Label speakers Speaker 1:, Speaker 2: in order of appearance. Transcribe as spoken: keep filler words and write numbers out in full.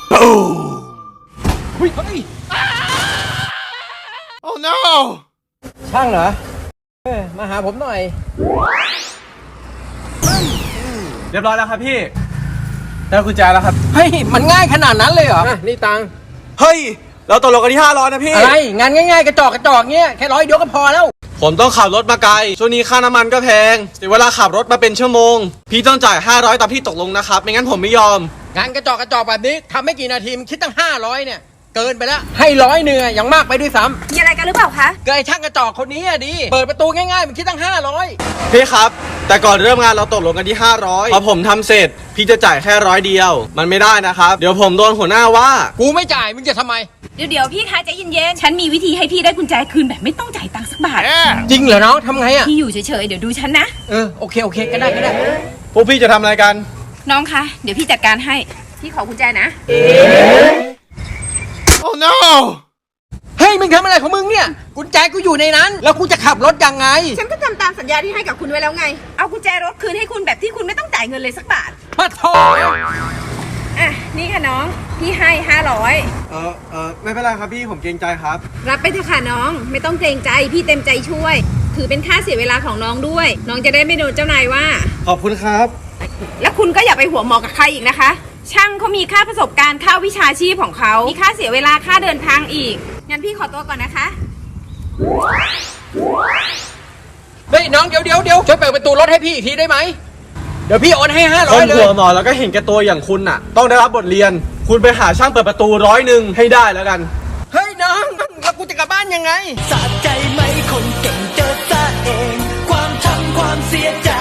Speaker 1: บูม
Speaker 2: เฮ้ยเฮ้ย
Speaker 1: โอ้ no
Speaker 2: ช่างเหรอเออมาหาผมหน่อยเรียบร้อยแล้วครับพี่ได้กุญแจแล้วครับเฮ้ยมันง่ายขนาดนั้นเลยเหรอนี่ตังเฮ้ยเราตกลงกันที่ห้าร้อยนะพี่อะไรงานง่ายๆกระจอกกระจอกเงี้ยแค่ร้อยเดียวก็พอแล้วผมต้องขับรถมาไกลช่วงนี้ค่าน้ำมันก็แพงเสียเวลาขับรถมาเป็นชั่วโมงพี่ต้องจ่ายห้าร้อยตามที่ตกลงนะครับไม่งั้นผมไม่ยอมงานกระจอกกระจอกแบบนี้ทำไม่กี่นาทีมันคิดตั้งห้าร้อยเนี่ยเกินไปแล้วให้ร้อยเนื้ออย่างมากไปด้วยซ้ำ
Speaker 3: มีอะไรกันหรือเปล่าคะ
Speaker 2: เกยช่างกระจอกคนนี้อะดีเปิดประตูง่ายๆมันคิดตั้งห้าร้อยพี่ครับแต่ก่อนเริ่มงานเราตกลงกันที่ห้าร้อยพอผมทำเสร็จพี่จะจ่ายแค่ร้อยเดียวมันไม่ได้นะครับเดี๋ยวผมโดนหัวหน้าว่ากูไม่จ่ายมึงจะทำไม
Speaker 3: เดี๋ยวเดี๋ยวพี่คะใจเย็นๆฉันมีวิธีให้พี่ได้กุญแจคืนแบบไม่ต้องจ่ายตังค์สักบาท
Speaker 2: จริงเหรอน้องทำไงอะ
Speaker 3: พี่อยู่เฉยๆเดี๋ยวดูฉันนะ
Speaker 2: เออโอเคโอเคก็ได้ก็ได้พวกพี่จะทำอะไรกัน
Speaker 3: น้องคะเดี๋ยวพี่จัดการให้พี่ขอกุญแจนะ
Speaker 1: โอ้ no
Speaker 2: เฮ้ยมึงทำอะไรของมึงเนี่ยกุญแจกูอยู่ในนั้นแล้วกูจะขับรถยังไง
Speaker 3: ฉันก็ทำตามสัญญาที่ให้กับคุณไว้แล้วไงเอากุญแจรถคืนให้คุณแบบที่คุณไม่ต้องจ่ายเงินเลยสักบาท
Speaker 2: มาโทษ
Speaker 3: อ่ะนี่ค่ะน้องพี่ให้ห้าร้อย
Speaker 2: เออเออไม่เป็นไรครับพี่ผมเกรงใจครับ
Speaker 3: รับไปเถอะค่ะน้องไม่ต้องเกรงใจพี่เต็มใจช่วยถือเป็นค่าเสียเวลาของน้องด้วยน้องจะได้ไม่โดนเจ้านายว่า
Speaker 2: ขอบคุณครับ
Speaker 3: แล้วคุณก็อย่าไปหัวหมอกับใครอีกนะคะช่างเขามีค่าประสบการณ์ค่าวิชาชีพของเขามีค่าเสียเวลาค่าเดินทางอีกงั้นพี่ขอตัวก่อนนะคะ
Speaker 2: เฮ้ยน้องเดี๋ยวเดี๋ยวเดี๋ยวช่วยเปิดประตูรถให้พี่อีกทีได้ไหมเดี๋ยวพี่โอนให้ห้าร้อยเลยคนหัวหมอแล้วก็เห็นแก่ตัวอย่างคุณน่ะต้องได้รับบทเรียนคุณไปหาช่างเปิดประตูร้อยหนึ่งให้ได้แล้วกันเฮ้ยน้องแล้วกูจะกลับบ้านยังไง
Speaker 4: สะใจไหมคนเก่งเจอซะเองความช้ำความเสียใจ